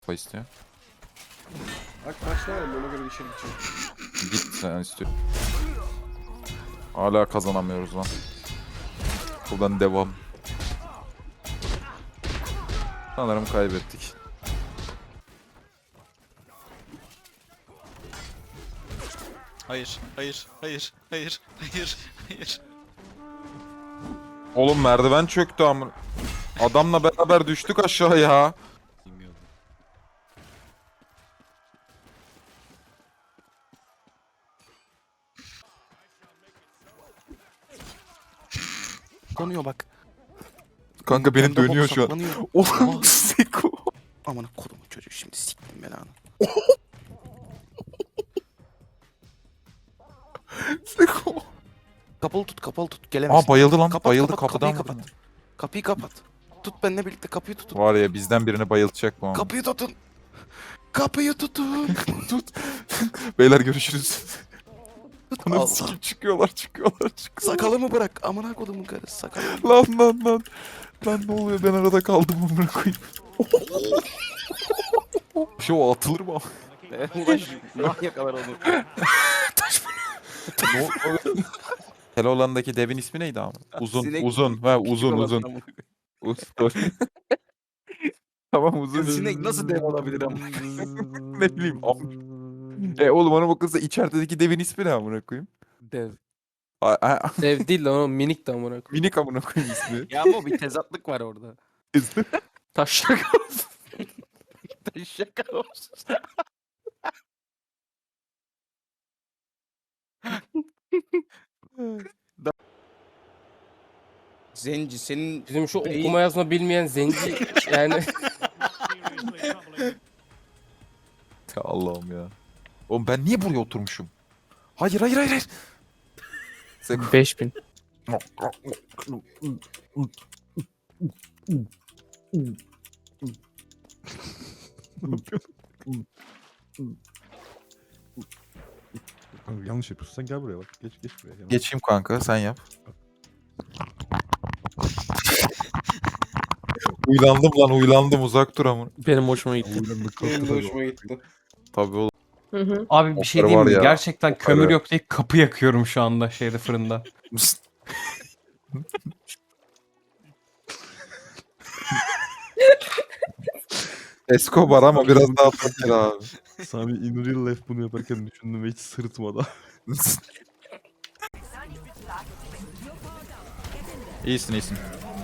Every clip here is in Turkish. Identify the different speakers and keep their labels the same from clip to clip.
Speaker 1: Kafa istiyor.
Speaker 2: Bak kaçta var ona göre içeri gideceğim.
Speaker 1: Git sen istiyor. Hala kazanamıyoruz lan. Buradan devam. Sanırım kaybettik.
Speaker 3: Hayır, hayır, hayır, hayır, hayır, hayır.
Speaker 1: Oğlum merdiven çöktü amına. Adamla beraber düştük aşağıya.
Speaker 3: Bilmiyordum.
Speaker 2: Konuyor bak.
Speaker 1: Kanka benim
Speaker 2: Pembe
Speaker 1: dönüyor
Speaker 2: bok
Speaker 1: şu an.
Speaker 2: saklanıyor.
Speaker 1: Oğlum Seko.
Speaker 2: Aman kodumun çocuğu şimdi siktim belanı.
Speaker 1: Seko.
Speaker 2: Kapalı tut gelemezsin.
Speaker 1: Aa bayıldı lan.
Speaker 2: Kapat,
Speaker 1: Bayıldı
Speaker 2: kapat,
Speaker 1: kapıdan.
Speaker 2: kapıyı kapat. Kapıyı kapat. Tut benimle birlikte kapıyı tutun.
Speaker 1: Var ya bizden birini bayıltacak bu an.
Speaker 2: Kapıyı tutun. Kapıyı tutun.
Speaker 1: Beyler görüşürüz. Ananı
Speaker 2: Allah.
Speaker 1: sikeyim, çıkıyorlar.
Speaker 2: Sakalımı bırak. Amına kodumun karısı sakalımı.
Speaker 1: Lan. Lan ne oluyor ben arada kaldım amına koyayım. Şu o atılır mı?
Speaker 2: Ulan manyak kadar onu.
Speaker 1: Ne oldu? Keloğlan'daki devin ismi neydi ama? Uzun.
Speaker 2: Sinek-
Speaker 1: Uzun. Tamam uzun.
Speaker 2: Sinek nasıl dev olabilir ama?
Speaker 1: Ne bileyim. Oğlum ona bakılsa içerideki devin ismi ne amına koyayım?
Speaker 4: Dev.
Speaker 1: A-
Speaker 4: Dev değil lan o minik de amına koyayım.
Speaker 1: Minik amına koyayım ismi.
Speaker 2: Ya ama bir tezatlık var orada.
Speaker 4: Taşak.
Speaker 2: Şaka olsun. Zenci senin
Speaker 4: Bizim şu
Speaker 2: Beyin-
Speaker 4: okuma yazma bilmeyen zenci yani.
Speaker 1: Ya Allah'ım ya. Oğlum ben niye buraya oturmuşum? Hayır.
Speaker 4: 5000.
Speaker 5: Kanka yanlış yapıyorsun. Sen gel buraya bak. Geç buraya. Gel.
Speaker 1: Geçeyim kanka sen yap. Uylandım uzak dur ama.
Speaker 4: Benim hoşuma gitti.
Speaker 5: Uylandık,
Speaker 2: benim de
Speaker 5: kalktı
Speaker 2: hoşuma gitti.
Speaker 1: Tabii oğlum.
Speaker 6: Abi bir şey
Speaker 1: Okları
Speaker 6: diyeyim
Speaker 1: var
Speaker 6: mi?
Speaker 1: ya,
Speaker 6: Gerçekten kömür
Speaker 1: okları.
Speaker 6: yok diye kapı yakıyorum şu anda şeyde fırında.
Speaker 1: Escobar ama biraz daha fakir abi.
Speaker 5: Sami in real life bunu yaparken düşündüm ve hiç sırıtmadı.
Speaker 1: İyisin.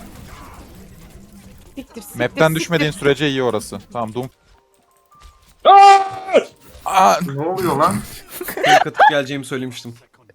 Speaker 1: Map'ten düşmediğin sürece iyi orası. Tamam Doom. Aa!
Speaker 7: Ne oluyor lan?
Speaker 6: Tek atıp geleceğimi söylemiştim.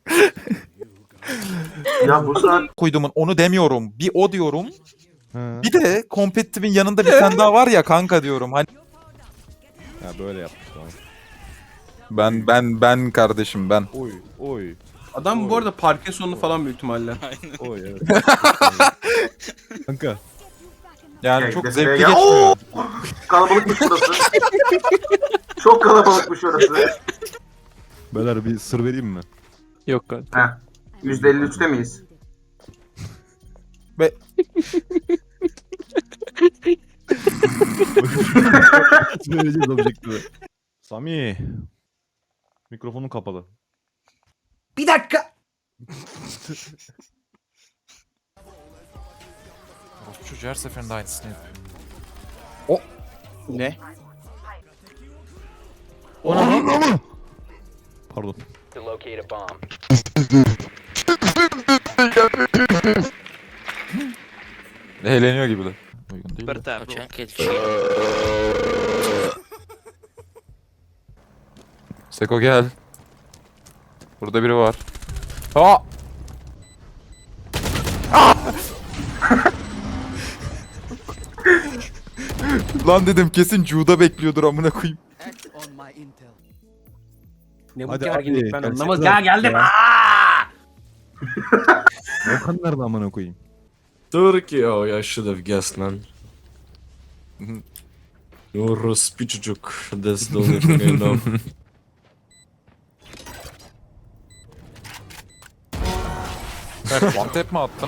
Speaker 7: Ya bu saat
Speaker 1: Koyduğumun onu demiyorum. Bir o diyorum.
Speaker 5: Ha.
Speaker 1: Bir de competitive'in yanında bir tane daha var ya kanka diyorum. Hani
Speaker 5: Ya böyle yaptık tamam.
Speaker 1: ben kardeşim ben.
Speaker 5: Oy.
Speaker 6: Adam bu arada Parkinson'lu falan büyük ihtimalle.
Speaker 5: Oy evet. Kanka.
Speaker 1: Yani
Speaker 7: Ya,
Speaker 1: çok
Speaker 7: defile
Speaker 1: zevkli
Speaker 7: gel.
Speaker 1: geçmiyor.
Speaker 7: kalabalıkmış burası. Çok kalabalıkmış orası.
Speaker 5: Beyler bir sır vereyim mi?
Speaker 4: Yok kanka.
Speaker 7: Heh. %53'te miyiz?
Speaker 5: Vereceğiz objektifi. Sami. Mikrofonun kapalı.
Speaker 7: Bir dakika.
Speaker 1: Çocuğu her seferinde aynısını yapıyor.
Speaker 2: Ne?
Speaker 5: Pardon.
Speaker 1: Eğleniyor gibiler. Uygun değil de. Seko gel. Burada biri var. Aa! Lan dedim kesin Cuda bekliyordur amına koyayım.
Speaker 6: Ne bu
Speaker 5: Hadi
Speaker 6: gerginlik
Speaker 5: abi,
Speaker 6: ben
Speaker 5: gerçekten
Speaker 6: anlamadım. Gel geldim.
Speaker 5: ya. Okan nerede amına koyayım?
Speaker 8: Turkey. Oh, I should have guessed, man. Orospu çocuk. That's the only thing I know.
Speaker 1: Evet, one tap mi attın?